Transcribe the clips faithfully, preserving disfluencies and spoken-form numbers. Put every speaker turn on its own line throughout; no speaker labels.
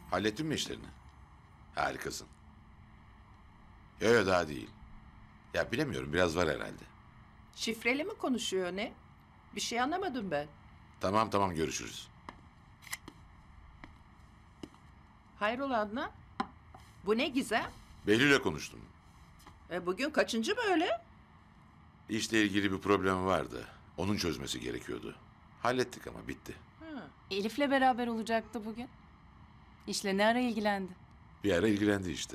Hallettin mi işlerini? Harikasın. Yok yok daha değil. Ya bilemiyorum biraz var herhalde.
Şifreli mi konuşuyor ne? Bir şey anlamadım ben.
Tamam tamam görüşürüz.
Hayrola Adnan? Bu ne Gizem?
Behlül'le konuştum.
E bugün kaçıncı böyle?
İşle ilgili bir problemi vardı. Onun çözmesi gerekiyordu. Hallettik ama bitti.
Ha.
Elif'le beraber olacaktı bugün. İşle ne ara ilgilendi?
Bir ara ilgilendi işte.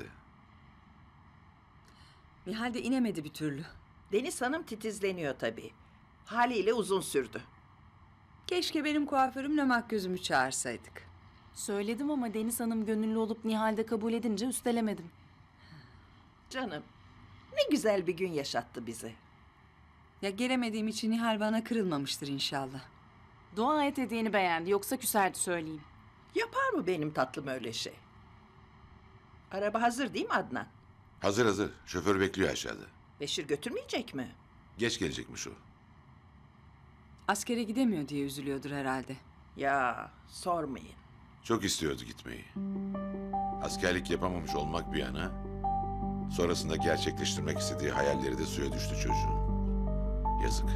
Nihal de inemedi bir türlü.
Deniz Hanım titizleniyor tabii. Haliyle uzun sürdü.
Keşke benim kuaförümle makyözümü çağırsaydık.
Söyledim ama Deniz Hanım gönüllü olup Nihal'de kabul edince üstelemedim.
Canım, ne güzel bir gün yaşattı bize.
Ya gelemediğim için Nihal bana kırılmamıştır inşallah.
Dua et hediyeni beğendi, yoksa küserdi söyleyeyim.
Yapar mı benim tatlım öyle şey? Araba hazır değil mi Adnan?
Hazır hazır. Şoför bekliyor aşağıda.
Beşir götürmeyecek mi?
Geç gelecekmiş o.
Askere gidemiyor diye üzülüyordur herhalde.
Ya sormayın.
Çok istiyordu gitmeyi. Askerlik yapamamış olmak bir yana... ...sonrasında gerçekleştirmek istediği hayalleri de suya düştü çocuğun. Yazık.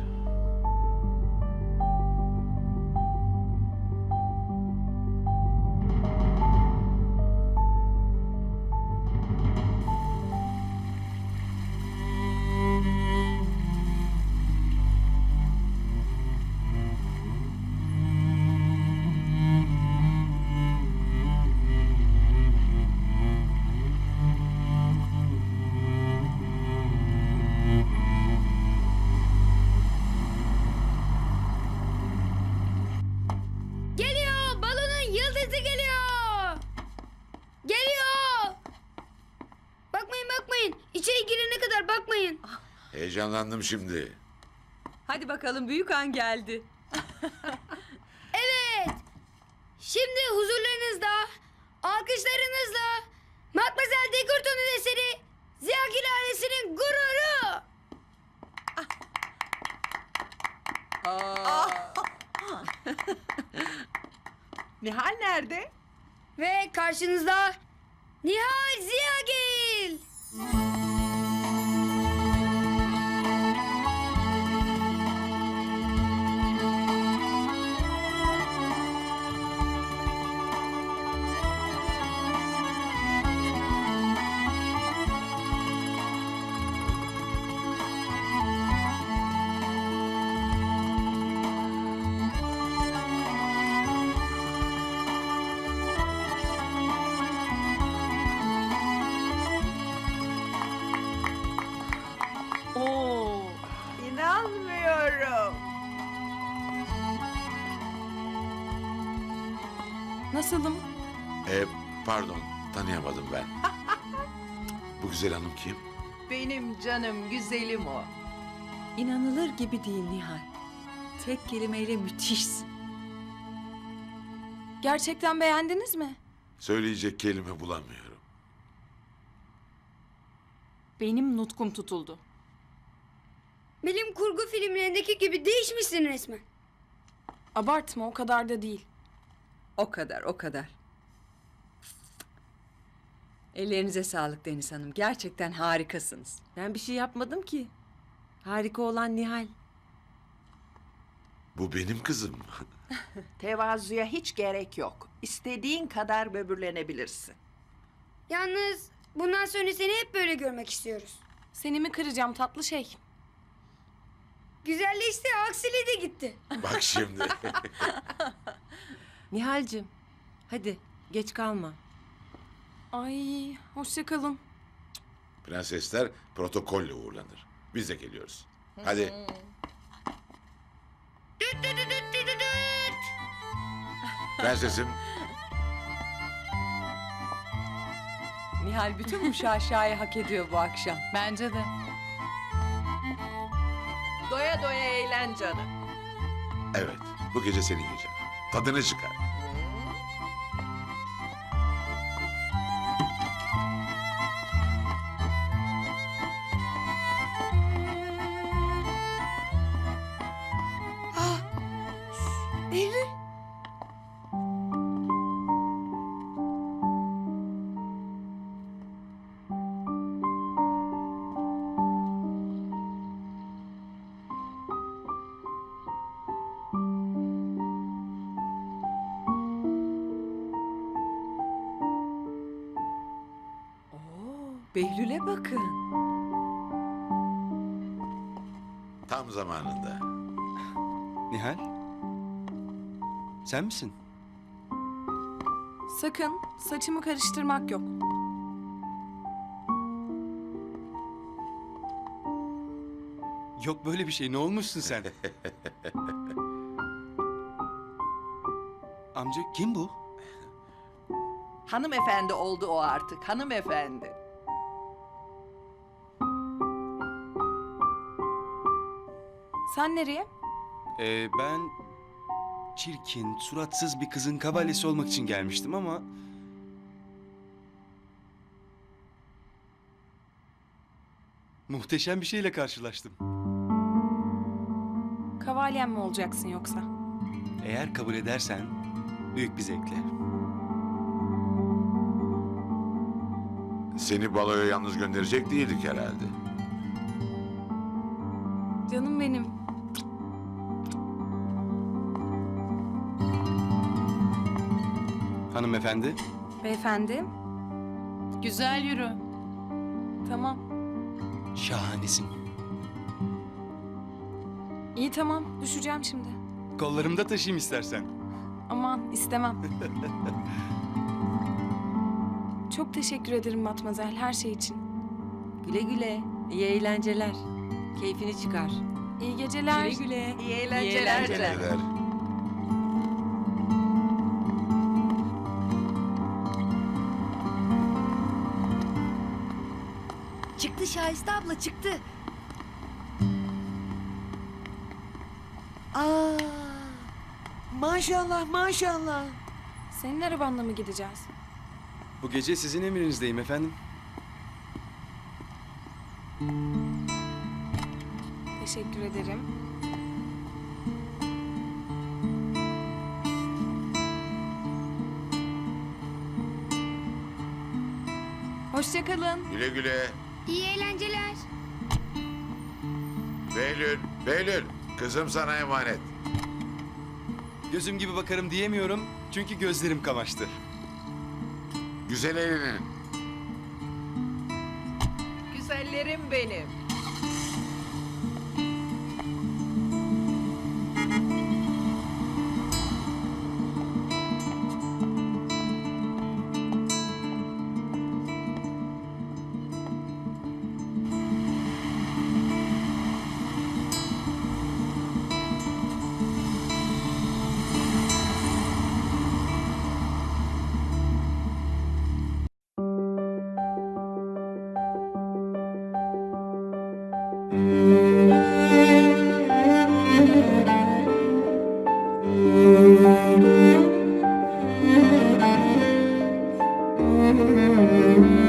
Geliyor! Balonun yıldızı geliyor! Geliyor! Bakmayın bakmayın. İçeri girene kadar bakmayın.
Heyecanlandım şimdi.
Hadi bakalım büyük an geldi.
Evet. Şimdi huzurlarınızda, alkışlarınızla Matmazel Dekurton'un eseri Ziyagil ailesinin gururu.
Nihal nerede?
Ve karşınızda Nihal Ziyagil.
Oo.
İnanmıyorum.
Nasılım?
E, pardon tanıyamadım ben. Bu güzel hanım kim?
Benim canım güzelim o.
İnanılır gibi değil Nihal. Tek kelimeyle müthişsin.
Gerçekten beğendiniz mi?
Söyleyecek kelime bulamıyorum.
Benim nutkum tutuldu.
Bilim kurgu filmlerindeki gibi değişmişsin resmen.
Abartma, o kadar da değil.
O kadar, o kadar. Ellerinize sağlık Deniz Hanım. Gerçekten harikasınız.
Ben bir şey yapmadım ki. Harika olan Nihal.
Bu benim kızım.
Tevazuya hiç gerek yok. İstediğin kadar böbürlenebilirsin.
Yalnız bundan sonra seni hep böyle görmek istiyoruz.
Seni mi kıracağım tatlı şey?
Güzelleşti, aksiliği de gitti.
Bak şimdi.
Nihal'cim hadi geç kalma.
Ay, hoşça kalın.
Prensesler protokolle uğurlanır. Biz de geliyoruz. Hadi.
Düt düt düt düt düt düt düt.
Prensesim.
Nihal bütün bu şaşayı hak ediyor bu akşam.
Bence de.
Doya doya eğlen canım.
Evet. Bu gece senin gecen. Tadını çıkar.
Behlül'e bakın.
Tam zamanında.
Nihal? Sen misin?
Sakın saçımı karıştırmak yok.
Yok böyle bir şey. Ne olmuşsun sen? Amca kim bu?
Hanımefendi oldu o artık, hanımefendi.
Sen nereye?
Ee, ben çirkin, suratsız bir kızın kavalyesi olmak için gelmiştim ama... Muhteşem bir şeyle karşılaştım.
Kavalyem mi olacaksın yoksa?
Eğer kabul edersen büyük bir zevkle.
Seni baloya yalnız gönderecek değildik herhalde.
Canım benim.
Hanımefendi,
Beyefendi. Güzel yürü. Tamam.
şahanesin.
İyi tamam. Düşeceğim şimdi.
Kollarımda taşıyayım istersen.
Aman istemem. Çok teşekkür ederim Matmazel her şey için.
Güle güle. İyi eğlenceler. Keyfini çıkar.
İyi geceler.
Güle güle.
İyi eğlenceler.
eğlenceler.
canım.
Neler?
Çıktı Şahiste abla çıktı.
Aa, maşallah maşallah.
Senin arabanla mı gideceğiz?
Bu gece sizin emrinizdeyim efendim.
Teşekkür ederim. Hoşça kalın.
Güle güle.
İyi eğlenceler.
Behlül, Behlül. Kızım sana emanet.
Gözüm gibi bakarım diyemiyorum çünkü gözlerim kamaştı.
Güzel eğlenin.
Güzellerim benim.
Müzik